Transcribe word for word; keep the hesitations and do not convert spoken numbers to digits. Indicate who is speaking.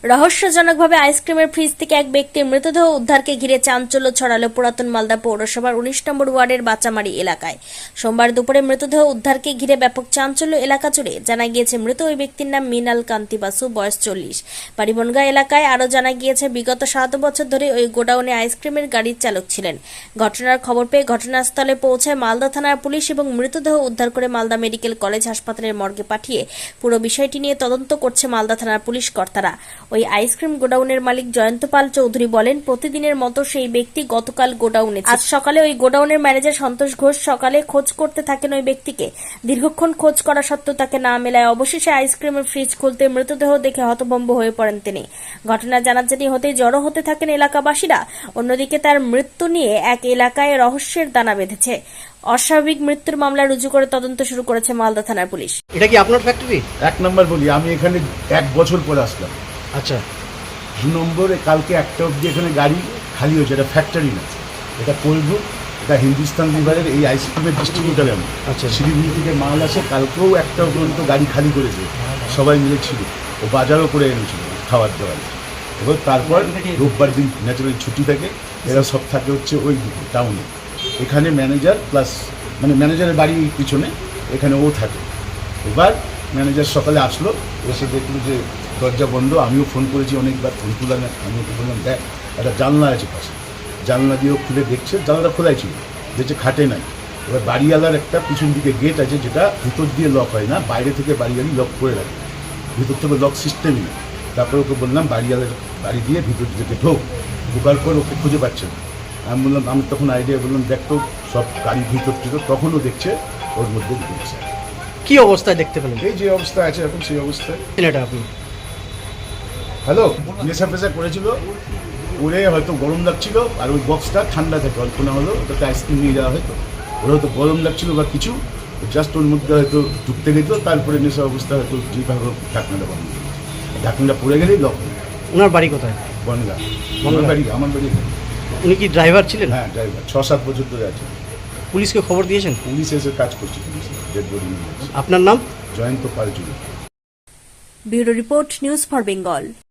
Speaker 1: রহস্যজনকভাবে আইসক্রিমের ফ্রিজ থেকে এক ব্যক্তির মৃতদেহ উদ্ধারকে ঘিরে চাঞ্চল্য ছড়ালো পুরাতন মালদা পৌরসভার উনিশ নম্বর ওয়ার্ডের বাচামারি এলাকায়। সোমবার দুপুরে মৃতদেহ উদ্ধারকে ঘিরে ব্যাপক চাঞ্চল্য এলাকা জুড়ে। জানা গিয়েছে মৃত ওই ব্যক্তির নাম মৃণাল কান্তি বাসু, বয়স চল্লিশ, বাড়ি বনগাঁ এলাকায়। আরও জানা গিয়েছে বিগত সাত বছর ধরে ওই গোডাউনে আইসক্রিমের গাড়ির চালক ছিলেন। ঘটনার খবর পেয়ে ঘটনাস্থলে পৌঁছায় মালদা থানার পুলিশ এবং মৃতদেহ উদ্ধার করে মালদা মেডিকেল কলেজ হাসপাতালের মর্গে পাঠিয়ে পুরো বিষয়টি নিয়ে তদন্ত করছে মালদা থানার পুলিশ কর্তারা। ওই আইসক্রিম গোডাউনের মালিক জয়ন্ত পাল চৌধুরী বলেন, প্রতিদিনের মতো সেই ব্যক্তি গতকাল গোডাউনে, আজ সকালে ওই গোডাউনের ম্যানেজার সন্তোষ ঘোষ সকালে খোঁজ করতে থাকেন ওই ব্যক্তিকে। দীর্ঘক্ষণ খোঁজ করা সত্ত্বেও তাকে না মেলায় অবশেষে আইসক্রিমের ফ্রিজ খুলতে মৃতদেহ দেখে হতভম্ব হয়ে পড়েন তিনি। ঘটনা জানাজানি হতেই জড়ো হতে থাকেন এলাকাবাসীরা। অন্যদিকে তার মৃত্যু নিয়ে এক এলাকায় রহস্যের দানা বেঁধেছে। অস্বাভাবিক মৃত্যুর মামলা রুজু করে তদন্ত শুরু করেছে মালদা থানার পুলিশ।
Speaker 2: এটা কি আপনার ফ্যাক্টরি?
Speaker 3: এক নম্বর বলি, আমি এখানে এক বছর পরে আসলাম।
Speaker 2: আচ্ছা।
Speaker 3: দু নম্বরে কালকে একটা অবধি এখানে গাড়ি খালি হয়েছে। এটা ফ্যাক্টরি না, এটা কোলবু, এটা হিন্দুস্তান লিভারের এই আইসক্রিমের ডিস্ট্রিবিউটার। আমি
Speaker 2: আচ্ছা।
Speaker 3: শিলিগুড়ি থেকে মাল আসে, কালকেও একটা পর্যন্ত গাড়ি খালি করেছে, সবাই মিলে ছিল। ও বাজারও করে এনেছিল খাবার দাবার। এবার তারপর রোববার দিন ন্যাচারালি ছুটি থাকে, এরা সব থাকে হচ্ছে ওই টাউনে। এখানে ম্যানেজার প্লাস মানে ম্যানেজারের বাড়ি পিছনে, এখানে ও থাকে। এবার ম্যানেজার সকালে আসলো, এসে দেখলো যে দরজা বন্ধ। আমিও ফোন করেছি অনেকবার, ফোন তুলা না। আমি ওকে বললাম, দেখ একটা জানলা আছে পাশে। জানলা দিয়েও খুলে দেখছে, জানলাটা খোলাই ছিল, দেখছে খাটে নাই। এবার বাড়িওয়ালার একটা পিছন দিকে গেট আছে, যেটা ভিতর দিয়ে লক হয় না, বাইরে থেকে বাড়িওয়ালি লক করে রাখে, ভিতর থেকে লক সিস্টেমই নেই। তারপরে ওকে বললাম বাড়িওয়ালার বাড়ি দিয়ে ভিতর দিকে ঢোক। ঢোকার পর ওকে খুঁজে পাচ্ছে না। আমি বললাম, আমি তখন আইডিয়া বললাম, দেখ তো সব গাড়ির ভিতর থেকে, তখনও দেখছে ওর মধ্যে ঢুকছে।
Speaker 2: কি অবস্থায় দেখতে পেলেন?
Speaker 3: এই যে অবস্থা আছে এখন, সেই অবস্থায়।
Speaker 2: এটা আপনি
Speaker 3: হ্যালো, নেশা ফেশা করেছিল, ওরে হয়তো গরম লাগছিল, আর ওই বক্সটা ঠান্ডা থাকে, অল্প না হলো ওটাতে আইসক্রিম নিয়ে যাওয়া হয়তো, ওরা হয়তো গরম লাগছিল বা কিছু, জাস্ট ওর মধ্যে হয়তো ঢুকতে গেত। তারপরে নেশা অবস্থা হয়তো যেভাবে ঢাকনাটা বন্ধ, ঢাকনাটা পড়ে গেলেই লক।
Speaker 2: ওনার বাড়ি কোথায়?
Speaker 3: বনগাঁ। আমার বাড়ি আমার বাড়ি
Speaker 2: উনি কি ড্রাইভার ছিলেন?
Speaker 3: হ্যাঁ, ড্রাইভার। ছ সাত বছর ধরে আছে।
Speaker 2: পুলিশকে খবর দিয়েছেন?
Speaker 3: পুলিশ এসে কাজ করছে, পুলিশ ডেড বডি নিয়ে।
Speaker 2: আপনার নাম?
Speaker 3: Jayanta Pal Chowdhury.
Speaker 1: Bureau report, news for Bengal.